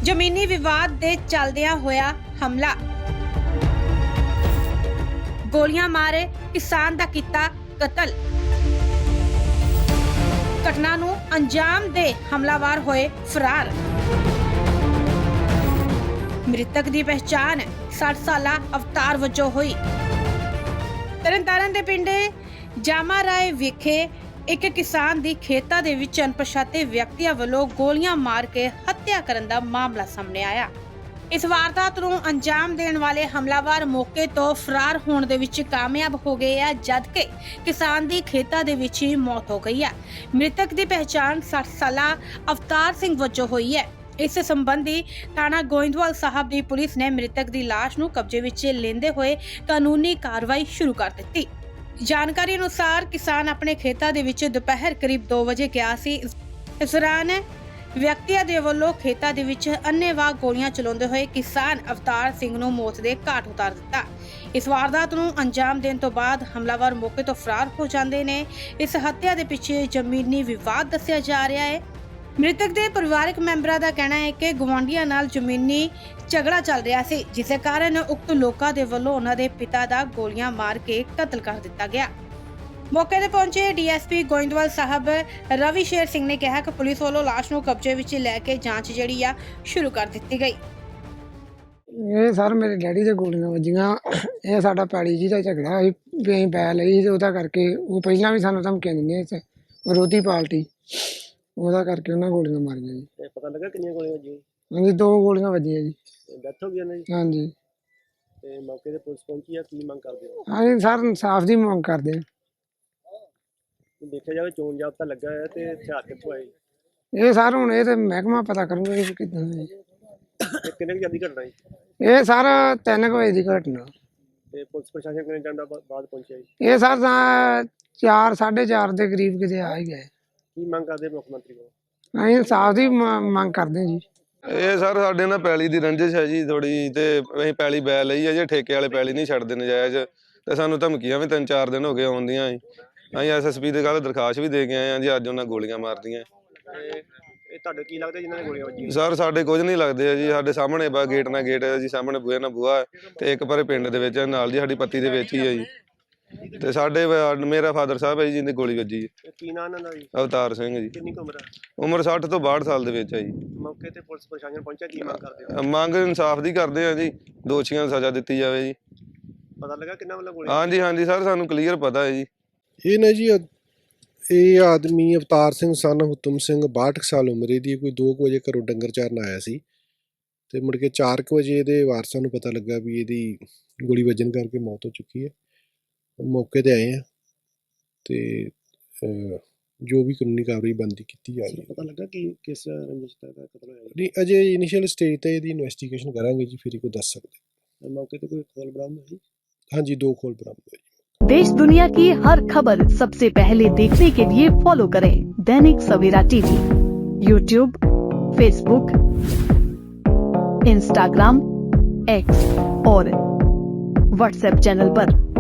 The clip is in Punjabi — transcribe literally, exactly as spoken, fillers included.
ਜ਼ਮੀਨੀ ਵਿਵਾਦ ਦੇ ਚੱਲਦਿਆਂ ਹੋਇਆ ਹਮਲਾ। ਗੋਲੀਆਂ ਮਾਰੇ ਕਿਸਾਨ ਦਾ ਕੀਤਾ ਕਤਲ। ਘਟਨਾ ਨੂੰ ਅੰਜਾਮ ਦੇ ਹਮਲਾਵਰ ਹੋਏ ਫਰਾਰ। ਮ੍ਰਿਤਕ ਦੀ ਪਹਿਚਾਣ ਸੱਠ ਸਾਲਾ ਅਵਤਾਰ ਵਜੋਂ ਹੋਈ। ਤਰਨਤਾਰਨ ਦੇ ਪਿੰਡ ਜਾਮਾ ਰਾਏ ਵਿਖੇ ਇੱਕ ਕਿਸਾਨ ਦੀ ਖੇਤਾਂ ਦੇ ਵਿੱਚ ਅਣਪਛਾਤੇ ਵਿਅਕਤੀਆਂ ਵੱਲੋਂ ਗੋਲੀਆਂ ਮਾਰ ਕੇ ਹੱਤਿਆ ਕਰਨ ਦਾ ਮਾਮਲਾ ਸਾਹਮਣੇ ਆਇਆ। ਇਸ ਵਾਰਦਾਤ ਨੂੰ ਅੰਜਾਮ ਦੇਣ ਵਾਲੇ ਹਮਲਾਵਰ ਮੌਕੇ ਤੋਂ ਫਰਾਰ ਹੋਣ ਦੇ ਵਿੱਚ ਕਾਮਯਾਬ ਹੋ ਗਏ ਆ, ਜਦਕਿ ਕਿਸਾਨ ਦੀ ਖੇਤਾਂ ਦੇ ਵਿੱਚ ਹੀ ਮੌਤ ਹੋ ਗਈ ਹੈ। ਮ੍ਰਿਤਕ ਦੀ ਪਹਿਚਾਣ ਸੱਠ ਸਾਲਾ ਅਵਤਾਰ ਸਿੰਘ ਵਜੋਂ ਹੋਈ ਹੈ। ਇਸ ਸੰਬੰਧੀ ਥਾਣਾ ਗੋਇੰਦਵਾਲ ਸਾਹਿਬ ਦੀ ਪੁਲਿਸ ਨੇ ਮ੍ਰਿਤਕ ਦੀ ਲਾਸ਼ ਨੂੰ ਕਬਜ਼ੇ ਵਿੱਚ ਲੈਂਦੇ ਹੋਏ ਕਾਨੂੰਨੀ ਕਾਰਵਾਈ ਸ਼ੁਰੂ ਕਰ ਦਿੱਤੀ। ਜਾਣਕਾਰੀ ਅਨੁਸਾਰ ਕਿਸਾਨ ਆਪਣੇ ਖੇਤਾਂ ਦੇ ਵਿੱਚ ਦੁਪਹਿਰ ਕਰੀਬ ਦੋ ਵਜੇ ਗਿਆ ਸੀ। ਇਸ ਦੌਰਾਨ ਵਿਅਕਤੀਆਂ ਦੇ ਵੱਲੋਂ ਖੇਤਾਂ ਦੇ ਵਿੱਚ ਅੰਨ੍ਹੇਵਾਹ ਗੋਲੀਆਂ ਚਲਾਉਂਦੇ ਹੋਏ ਕਿਸਾਨ ਅਵਤਾਰ ਸਿੰਘ ਨੂੰ ਮੌਤ ਦੇ ਘਾਟ ਉਤਾਰ ਦਿੱਤਾ। ਇਸ ਵਾਰਦਾਤ ਨੂੰ ਅੰਜਾਮ ਦੇਣ ਤੋਂ ਬਾਅਦ ਹਮਲਾਵਰ ਮੌਕੇ ਤੋਂ ਫਰਾਰ ਹੋ ਜਾਂਦੇ ਨੇ। ਇਸ ਹੱਤਿਆ ਦੇ ਪਿੱਛੇ ਜ਼ਮੀਨੀ ਵਿਵਾਦ ਦੱਸਿਆ ਜਾ ਰਿਹਾ ਹੈ। ਮ੍ਰਿਤਕ ਦੇ ਪਰਿਵਾਰਕ ਮੈਂਬਰਾਂ ਦਾ ਕਹਿਣਾ ਹੈ ਕਿ ਗੁਆਂਢੀਆਂ ਨਾਲ ਜ਼ਮੀਨੀ ਝਗੜਾ ਚੱਲ ਰਿਹਾ ਸੀ, ਜਿਸ ਕਾਰਨ ਉਕਤ ਲੋਕਾਂ ਦੇ ਵੱਲੋਂ ਉਹਨਾਂ ਦੇ ਪਿਤਾ ਦਾ ਗੋਲੀਆਂ ਮਾਰ ਕੇ ਕਤਲ ਕਰ ਦਿੱਤਾ ਗਿਆ। ਮੌਕੇ ਤੇ ਪਹੁੰਚੇ ਡੀਐਸਪੀ ਗੋਇੰਦਵਾਲ ਸਾਹਿਬ ਰਵੀ ਸ਼ੇਰ ਸਿੰਘ ਨੇ ਕਿਹਾ ਕਿ ਪੁਲਿਸ ਵੱਲੋਂ ਲਾਸ਼ ਨੂੰ ਕਬਜ਼ੇ ਵਿੱਚ ਲੈ ਕੇ ਜਾਂਚ ਜਿਹੜੀ ਆ ਸ਼ੁਰੂ ਕਰ ਦਿੱਤੀ ਗਈ। ਇਹ ਸਰ ਮੇਰੇ ਡੈਡੀ ਦੇ ਗੋਲੀਆਂ ਵੱਜੀਆਂ। ਇਹ ਸਾਡਾ ਪੈਲੀ ਜੀ ਦਾ ਝਗੜਾ ਸੀ ਵੀ ਅਸੀਂ ਪੈ ਲਈ ਤੇ ਉਹਦਾ ਕਰਕੇ ਉਹ ਪਹਿਲਾਂ ਵੀ ਸਾਨੂੰ ਧਮਕੀਆਂ ਦਿੰਦੇ ਸੀ, ਵਿਰੋਧੀ ਪਾਰਟੀ, ਉਹਦਾ ਕਰਕੇ ਉਹਨਾਂ ਗੋਲੀਆਂ ਮਾਰੀਆਂ ਜੀ। ਤੇ ਪਤਾ ਲੱਗਾ ਕਿੰਨੀਆਂ ਗੋਲੀਆਂ ਵੱਜੀਆਂ? ਹਾਂਜੀ ਦੋ ਗੋਲੀਆਂ ਵੱਜੀਆਂ ਜੀ। ਡੈਥ ਹੋ ਗਈ ਉਹਨਾਂ ਦੀ? ਹਾਂਜੀ। ਤੇ ਮੌਕੇ ਤੇ ਪੁਲਿਸ ਪਹੁੰਚੀ ਆ, ਕੀ ਮੰਗ ਕਰਦੇ ਹੋ? ਹਾਂਜੀ ਸਰ ਇਨਸਾਫ ਦੀ ਮੰਗ ਕਰਦੇ ਹਾਂ। ਦੇਖਿਆ ਜਾਵੇ ਚੋਣ ਜਾਬਤਾ ਲੱਗਾ ਹੋਇਆ ਤੇ ਹਥਿਆਰ ਕਿੱਥੋਂ ਆਏ? ਇਹ ਸਰ ਹੁਣ ਇਹ ਤੇ ਮਹਿਕਮਾ ਪਤਾ ਕਰੂਗਾ ਜੀ ਕਿੱਦਾਂ ਜੀ। ਤੇ ਕਿੰਨੇ ਵਜੇ ਦੀ ਘਟਨਾ ਜੀ? ਇਹ ਸਰ ਤਿੰਨ ਕੁ ਵਜੇ ਦੀ ਘਟਨਾ। ਤੇ ਪੁਲਿਸ ਪ੍ਰਸ਼ਾਸਨ ਕਿੰਨੇ ਟਾਈਮ ਦਾ ਬਾਅਦ ਪਹੁੰਚਿਆ ਜੀ? ਇਹ ਸਰ ਤਾਂ ਚਾਰ ਸਾਢੇ ਚਾਰ ਦੇ ਕਰੀਬ ਕਿਤੇ ਆ ਹੀ ਗਏ। ਕੀ ਮੰਗ ਕਰਦੇ ਮੁੱਖ ਮੰਤਰੀ ਕੋਲ? ਅਸੀਂ ਇਨਸਾਫ ਦੀ ਮੰਗ ਕਰਦੇ ਜੀ। ਇਹ ਸਰ ਸਾਡੇ ਨਾਲ ਪੈਲੀ ਦੀ ਰੰਜਿਸ਼ ਹੈ ਜੀ ਥੋੜੀ, ਤੇ ਅਸੀਂ ਪੈਲੀ ਬੈ ਲਈ ਹੈ ਜੇ ਠੇਕੇ ਵਾਲੇ ਪੈਲੀ ਨਹੀਂ ਛੱਡਦੇ ਨਜਾਇਜ਼, ਤੇ ਸਾਨੂੰ ਧਮਕੀਆਂ ਵੀ ਤਿੰਨ ਚਾਰ ਦਿਨ ਹੋ ਗਏ ਆਉਂਦੀਆਂ। ਅਸੀਂ ਐਸ ਐਸ ਪੀ ਦੇ ਕੱਲ੍ਹ ਦਰਖਾਸਤ ਵੀ ਦੇ ਕੇ ਆਏ ਹਾਂ ਜੀ। ਅੱਜ ਉਹਨਾਂ ਗੋਲੀਆਂ ਮਾਰਦੀਆਂ। ਇਹ ਤੁਹਾਡੇ ਕੀ ਲੱਗਦਾ ਜਿਨ੍ਹਾਂ ਨੇ ਗੋਲੀਆਂ ਵੱਜੀਆਂ? ਸਰ ਸਾਡੇ ਕੁਝ ਨਹੀਂ ਲੱਗਦੇ ਆ ਜੀ। ਸਾਡੇ ਸਾਹਮਣੇ ਬਾ ਗੇਟ ਨਾਲ ਗੇਟ ਹੈ ਜੀ, ਸਾਹਮਣੇ ਬੂਹੇ ਨਾਲ ਬੂਹਾ, ਤੇ ਇੱਕ ਪਰੇ ਪਿੰਡ ਦੇ ਵਿੱਚ ਨਾਲ ਜੀ ਸਾਡੀ ਪੱਤੀ ਦੇ ਵਿੱਚ ਹੀ ਹੈ ਜੀ। ਤੇ ਸਾਡੇ ਮੇਰਾ ਫਾਦਰ ਸਾਹਿਬ ਹੈ ਜੀ ਜਿਹਦੀ ਗੋਲੀ ਵੱਜੀ ਹੈ। ਕੀ ਨਾਂ ਇਹਨਾਂ ਦਾ ਜੀ? ਅਵਤਾਰ ਸਿੰਘ ਜੀ। ਕਿੰਨੀ ਕੁ ਉਮਰ ਹੈ? ਉਮਰ ਸੱਠ ਤੋਂ ਬਾਹਠ ਸਾਲ ਦੇ ਵਿੱਚ ਹੈ ਜੀ। ਮੌਕੇ ਤੇ ਪੁਲਿਸ ਪ੍ਰਸ਼ਾਸਨ ਪਹੁੰਚਿਆ, ਕੀ ਮੰਗ ਕਰਦੇ ਹੋ? ਮੰਗ ਇਨਸਾਫ ਦੀ ਕਰਦੇ ਆ ਜੀ, ਦੋਸ਼ੀਆਂ ਨੂੰ ਸਜ਼ਾ ਦਿੱਤੀ ਜਾਵੇ ਜੀ। ਪਤਾ ਲੱਗਾ ਕਿੰਨਾ ਵੱਲੋਂ ਗੋਲੀ? ਹਾਂਜੀ ਹਾਂਜੀ ਸਰ ਸਾਨੂੰ ਕਲੀਅਰ ਪਤਾ ਹੈ ਜੀ। ਇਹ ਨਾ ਜੀ ਇਹ ਆਦਮੀ ਅਵਤਾਰ ਸਿੰਘ ਸਨ ਹੁਤਮ ਸਿੰਘ ਬਾਹਠ ਸਾਲ ਉਮਰ ਦੀ, ਕੋਈ ਦੋ ਕੁ ਵਜੇ ਘਰੋਂ ਡੰਗਰ ਚਾਰਨ ਆਇਆ ਸੀ, ਤੇ ਮੁੜ ਕੇ ਚਾਰ ਕੁ ਵਜੇ ਇਹਦੇ ਵਾਰਸਾਂ ਨੂੰ ਪਤਾ ਲੱਗਾ ਵੀ ਇਹਦੀ ਗੋਲੀ ਵੱਜਣ ਕਰਕੇ ਮੌਤ ਹੋ ਚੁੱਕੀ ਹੈ। ਮੌਕੇ ਤੇ ਆਏ ਆ ਤੇ ਜੋ ਵੀ ਕਾਨੂੰਨੀ ਕਾਰਵਾਈ ਬਣਦੀ ਕੀਤੀ ਜਾ ਰਹੀ ਹੈ। ਪਤਾ ਲੱਗਾ ਕਿ ਕਿਸ ਰੰਜਿਸ਼ ਦਾ ਕਤਲ ਹੋਇਆ? ਨਹੀਂ ਅਜੇ ਇਨੀਸ਼ੀਅਲ ਸਟੇਜ ਤੇ ਇਹਦੀ ਇਨਵੈਸਟੀਗੇਸ਼ਨ ਕਰਾਂਗੇ ਜੀ, ਫਿਰ ਹੀ ਕੋਈ ਦੱਸ ਸਕਦੇ। ਮੌਕੇ ਤੇ ਕੋਈ ਖੋਲ ਬਰਾਮਦ ਹੋਈ? ਹਾਂਜੀ ਦੋ ਖੋਲ ਬਰਾਮਦ ਹੋਏ। देश दुनिया की हर खबर सबसे पहले देखने के लिए फॉलो करें Dainik Savera TV, YouTube, Facebook, Instagram, X और व्हाट्सएप चैनल पर।